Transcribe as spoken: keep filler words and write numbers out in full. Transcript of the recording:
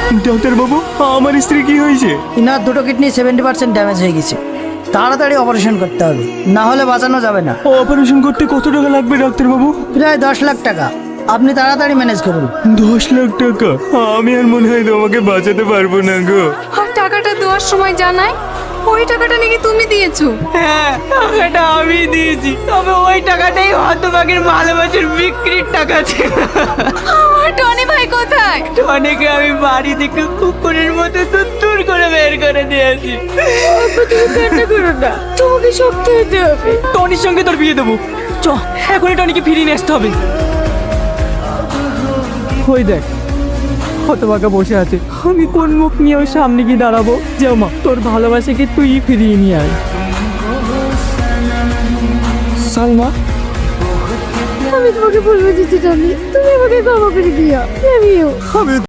Doctor বাবু, আমার স্ত্রী কি হয়েছে? ইনার দুটো কিডনি সেভেন্টি পার্সেন্ট ড্যামেজ হয়ে গেছে, তাড়াতাড়ি অপারেশন করতে হবে, না হলে বাঁচানো যাবে না। অপারেশন করতে কত টাকা লাগবে ডাক্তার বাবু? প্রায় দশ লাখ টাকা, আপনি তাড়াতাড়ি ম্যানেজ করুন। দশ লাখ টাকা? আমি আর মনে হয় তোমাকে বাঁচাতে পারবো না গো। আর টাকাটা দেওয়ার সময় জানাই ওই টাকাটা নাকি তুমি দিয়েছো। হ্যাঁ, টাকাটা আমি দিয়েছি, তবে ওই টাকাটাই হতভাগের ভালোবাসার বিক্রির টাকা ছিল। আমার টনি ভাই কোথায়? অনেকে আমি বাড়ি থেকে কুকুরের মতো তুত্তুর করে বের করে দিয়েছি। কান্না করো না, তোমাকে শক্তি হতে হবে। টনির সঙ্গে তোর বিয়ে দেবো, চ এখনই টনিকে ফিরিয়ে নিয়ে আসতে হবে। ওই দেখ, হতভাগা বসে আছে, আমি কোন মুখ নিয়ে ওর সামনে গিয়ে দাঁড়াবো? যাও মা, তোর ভালোবাসাকে তুই ফিরিয়ে নিয়ে আয়। সালমা, আমি তোমাকে বলবো যে টনি, তুমি আমাকে ক্ষমা করে দিও। আমিও আমি